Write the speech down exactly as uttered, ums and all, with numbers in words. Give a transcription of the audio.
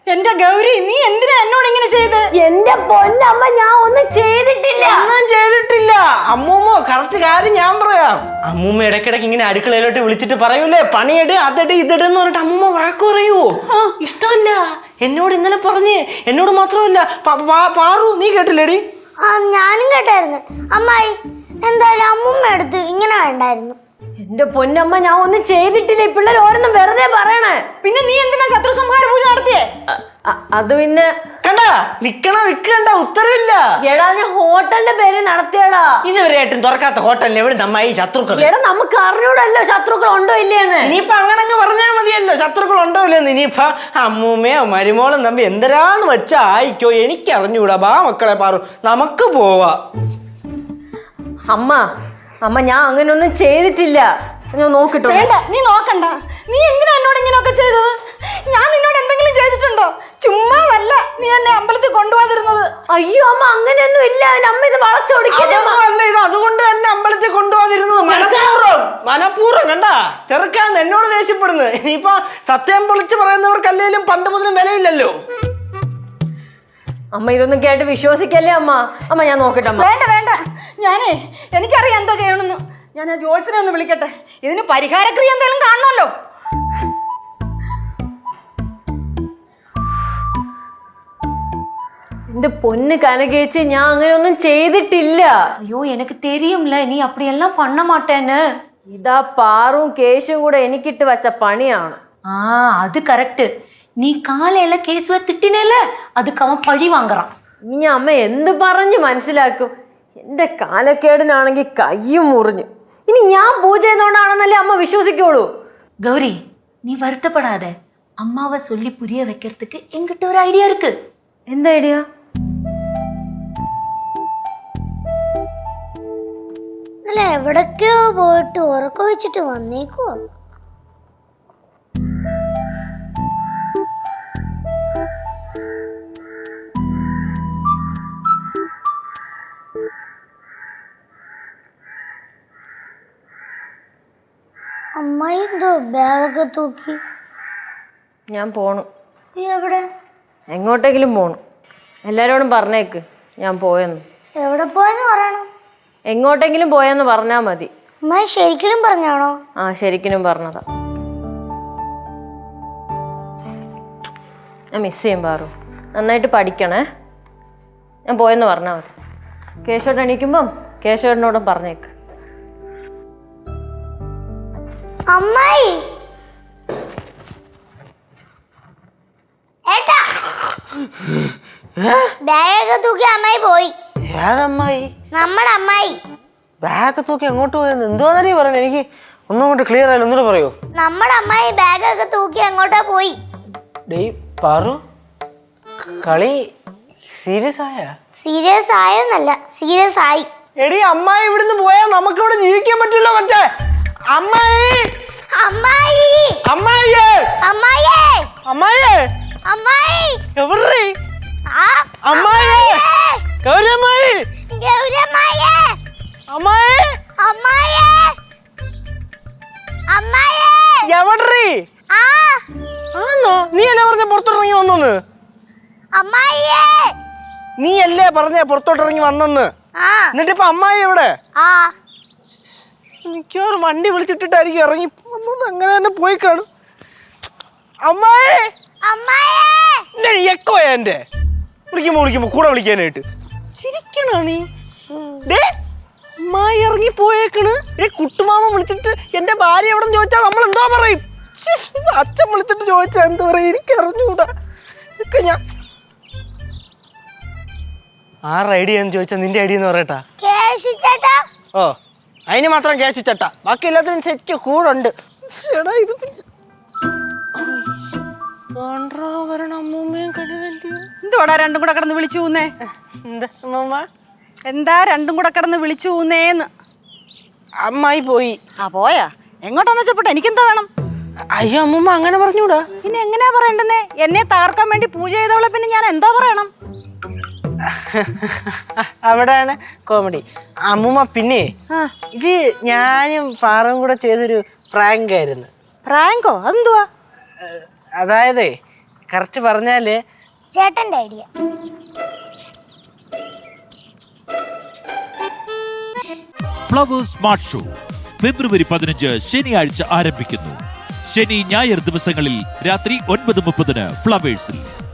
എന്റെ ഗൗരി, നീ എന്തിനാ എന്നോട് ഇങ്ങനെ ചെയ്ത്? എന്റെ പൊന്നമ്മ, ഞാൻ ഒന്നും ചെയ്തിട്ടില്ല. ഒന്നും ചെയ്തിട്ടില്ല അമ്മൂമ്മ. കറക്റ്റ് കാര്യം ഞാൻ പറയാം. അമ്മൂമ്മ ഇടയ്ക്കിടയ്ക്ക് ഇങ്ങനെ അടുക്കളയിലോട്ട് വിളിച്ചിട്ട് പറയൂലേ, പണിയെട് അതെട് ഇതെട് എന്ന് പറഞ്ഞിട്ട് അമ്മൂമ്മ വഴക്ക് പറയൂ. ഇഷ്ടമല്ല. എന്നോട് ഇന്നലെ പറഞ്ഞ്, എന്നോട് മാത്രമല്ല പാറു, നീ കേട്ടില്ലേടി? ആ ഞാനും കേട്ടായിരുന്നു. അമ്മായി എന്തായാലും അമ്മൂമ്മ എടുത്ത് ഇങ്ങനെ വേണ്ടായിരുന്നു. എന്റെ പൊന്നമ്മ, ഞാൻ ഒന്നും ചെയ്തിട്ടില്ല. ഈ പിള്ളേർ ഓരോന്നും വെറുതെ പറയണേ. പിന്നെ നീ എന്തിനാ ശത്രു സംഹാര പൂജ നടത്തിയേ? അത് പിന്നെ കണ്ട വിക്കണ വിക്കണ്ട ഉത്തരവില്ല. എടാ, ഞാൻ ഹോട്ടലിന്റെ പേര് നടത്തിയടാ. ഇതുവരെയായിട്ടും തുറക്കാത്ത ഹോട്ടലിന് എവിടെ നമ്മ ഈ ശത്രുക്കൾ? എടാ, നമുക്ക് അറിഞ്ഞൂടല്ലോ ശത്രുക്കൾ ഉണ്ടോ ഇല്ലേന്ന്. ഇനിയിപ്പൊ അങ്ങനെ അങ്ങ് പറഞ്ഞാൽ മതിയല്ലോ ശത്രുക്കൾ ഉണ്ടോ ഇല്ലെന്ന്. ഇനിയിപ്പൊ അമ്മൂമ്മയോ മരുമോളും തമ്പി എന്തരാന്ന് വെച്ചാ ആയിക്കോ, എനിക്ക് അറിഞ്ഞൂടാ. ബാ മക്കളെ പാറു, നമുക്ക് പോവാ. അമ്മ അമ്മ ഞാൻ അങ്ങനെ ഒന്നും ചെയ്തിട്ടില്ല. ഞാൻ നോക്കിട്ടോ. വേണ്ട, നീ നോക്കണ്ട. നീ എന്തിനാ എന്നോട് ഇങ്ങനെയൊക്കെ ചെയ്തത്? ഞാൻ നിന്നോട് എന്തെങ്കിലും ചെയ്തിട്ടുണ്ടോ? ചുമ്മാതല്ല നീ എന്നെ അമ്പലത്തിൽ കൊണ്ടുപോകാതിരുന്നത്. അയ്യോ അമ്മ, അങ്ങനെയൊന്നും ഇല്ല. അമ്മ ഇത് വളച്ചൊടിക്കല്ല. ഇത് അതുകൊണ്ട് തന്നെ അമ്പലത്തിൽ കൊണ്ടുപോകാതിരുന്നത് മനഃപൂർവ്വം മനഃപൂർവ്വം കണ്ട ചെറുക്കാൻ എന്നോട് ദേഷ്യപ്പെടുന്നത്. ഇനിയിപ്പൊ സത്യം പൊളിച്ച് പറയുന്നവർക്കല്ലേലും പണ്ട് മുതലും വിലയില്ലല്ലോ. അമ്മ ഇതൊന്നും കേട്ട് വിശ്വസിക്കല്ലേ അമ്മ. അമ്മ ഞാൻ നോക്കട്ടെ അമ്മ. വേണ്ട വേണ്ട, ഞാനേ എനിക്കറിയാം എന്തോ ചെയ്യണമെന്ന്. ഞാൻ ആ ജോത്സ്യനെ ഒന്ന് വിളിക്കട്ടെ. ഇതിന് പരിഹാരക്രിയ എന്തെങ്കിലും കാണണമല്ലോ. എന്റെ പൊന്ന് കനകേച്ചി, ഞാൻ അങ്ങനെ ഒന്നും ചെയ്തിട്ടില്ല. ஐயோ எனக்கு தெரியும்ல நீ அப்படியெல்லாம் பண்ண மாட்டேன்னு. ഇതാ പാറും കേശും കൂടെ എനിക്കിട്ട് വച്ച പണിയാണ്. ஆ அது கரெக்ட். நீ காலையில கேசுவ திட்டினேல, அதுக்கு அவன் பழி வாங்குறான். ഇനി അമ്മ എന്ത് പറഞ്ഞു മനസ്സിലാക്കും? എന്റെ കാലക്കേടിനാണെങ്കിൽ കയ്യും മുറിഞ്ഞു. ഇനി ഞാൻ പൂജ ചെയ്യുന്നോണ്ടാണെന്നല്ലേ അമ്മ വിശ്വസിക്കുള്ളൂ. கௌரி, நீ வருத்தப்படாத. அம்மாவை சொல்லி புரிய வைக்கிறதுக்கு என்கிட்ட ஒரு ஐடியா இருக்கு. എന്താ ഐഡിയ? അല്ല, എവിടൊക്കെയോ പോയിട്ട് ഉറക്കം വെച്ചിട്ട് വന്നേക്കുവോ? അമ്മായി എന്തോ ബാഗൊക്കെ തൂക്കി. ഞാൻ പോണു. നീ എവിടെ? എങ്ങോട്ടെങ്കിലും പോണു. എല്ലാരോടും പറഞ്ഞേക്ക് ഞാൻ പോയെന്ന്. എവിടെ പോയെന്ന് പറയണം. എങ്ങോട്ടെങ്കിലും പോയെന്ന് പറഞ്ഞാ മതി. അമ്മായി ശരിക്കും പറഞ്ഞാണോ? ആ ശരിക്കും പറഞ്ഞതാ. ഞാൻ മിസ് ചെയ്യും പാറു. നന്നായിട്ട് പഠിക്കണേ. ഞാൻ പോയെന്ന് പറഞ്ഞാൽ മതി. കേശോട്ട് എണീക്കുമ്പം കേശോട്ടിനോടും പറഞ്ഞേക്ക്. അമ്മായി ഏട്ടാ, ബാഗൊക്കെ തൂക്കി അമ്മായി പോയി. ഏതമ്മായി? നമ്മുടെ അമ്മായി. ബാഗ് തൂക്കി എങ്ങോട്ട് പോയെന്ന് എന്തോന്നറിയ പറഞ്ഞു? എനിക്ക് ഒന്നും കൊണ്ട് ക്ലിയർ ആയില്ല, ഒന്നുകൂടെ പറയൂ. നമ്മുടെ അമ്മായി ബാഗൊക്കെ തൂക്കി എങ്ങോട്ടാ പോയി? ഡേയ് പാറു, കളി സീരിയസ് ആയ? സീരിയസ് ആയെന്നല്ല, സീരിയസ് ആയി. എടി അമ്മായി ഇവിടുന്ന് പോയാൽ നമുക്ക് ഇവിടെ ജീവിക്കാൻ പറ്റില്ല മച്ചേ. അമ്മായി അമ്മായി അമ്മായിയേ അമ്മായിയേ അമ്മായിയേ അമ്മായി എവിടെ? ആ അമ്മായിയേ, ഗൗരമ്മായി, ഗൗരമ്മായേ, അമ്മായി, അമ്മായിയേ, അമ്മായിയേ, എവിടെ? ആ ആന്നോ? നീ അല്ലേ പറഞ്ഞ പുറത്തോട്ടിറങ്ങി വന്നെന്ന്? അമ്മായിയേ, നീ അല്ലേ പറഞ്ഞ പുറത്തോട്ടിറങ്ങി വന്നെന്ന്? ആ എന്നിട്ടിപ്പൊ അമ്മായി എവിടെ? ആ മിക്കവാറും വണ്ടി വിളിച്ചിട്ടിട്ടായിരിക്കും ഇറങ്ങി അങ്ങനെ തന്നെ പോയി കാണും. അമ്മായി, അമ്മായിയേ, എക്കോയാ എന്റെ വിളിക്കുമ്പോ വിളിക്കുമ്പോ കൂടെ വിളിക്കാനായിട്ട്. ചിരിക്കണോ നീ? ഡേ അമ്മായി ഇറങ്ങി പോയേക്കണ്. ഡേ കുട്ടുമാമ വിളിച്ചിട്ട് എന്റെ ഭാര്യ എവിടെ ചോദിച്ചാൽ നമ്മൾ എന്തോ പറയും? അച്ഛൻ വിളിച്ചിട്ട് ചോദിച്ചാ എന്താ പറയാ? എനിക്ക് അറിഞ്ഞൂടാ. ഒക്കെ ഞാൻ ആരുടെ ഐഡിയ എന്ന് ചോദിച്ചാ നിന്റെ ഐഡിയ എന്ന് പറയട്ടാ. കേശു ചേട്ടാ. ഓ, അതിന് മാത്രം കേശു ചട്ട, ബാക്കി എല്ലാത്തിനും സെറ്റ് കൂടുണ്ട്. ഇത് എന്തുവാടാ രണ്ടും കൂടെ കിടന്ന് വിളിച്ചു ഊന്നേ? എന്താ അമ്മൂമ്മ? എന്താ രണ്ടും കൂടെ കിടന്ന് വിളിച്ചു ഊന്നേന്ന്? അമ്മായി പോയി. ആ പോയാ? എങ്ങോട്ടാന്ന് വെച്ചപ്പോട്ടെ, എനിക്കെന്താ വേണം? അയ്യോ അമ്മൂമ്മ അങ്ങനെ പറഞ്ഞൂടാ. പിന്നെ എങ്ങനെയാ പറയണ്ടെന്നേ? എന്നെ താർക്കാൻ വേണ്ടി പൂജ ചെയ്തവളെ പിന്നെ ഞാൻ എന്തോ പറയണം? അവിടെയാണ് കോമഡി. അമ്മൂമ്മ പിന്നെ ഇത് ഞാനും പാറും കൂടെ ചെയ്തൊരു പ്രാങ്ക് ആയിരുന്നു. പ്രാങ്കോ? അതെന്തുവാ? അതായത് കറക്റ്റ് പറഞ്ഞാല് ചേട്ടന്റെ idea. Flowers smart show February പതിനഞ്ച് ശനിയാഴ്ച ആരംഭിക്കുന്നു. ശനി ഞായർ ദിവസങ്ങളിൽ രാത്രി ഒൻപത് മുപ്പതിന് ഫ്ലവേഴ്സിൽ.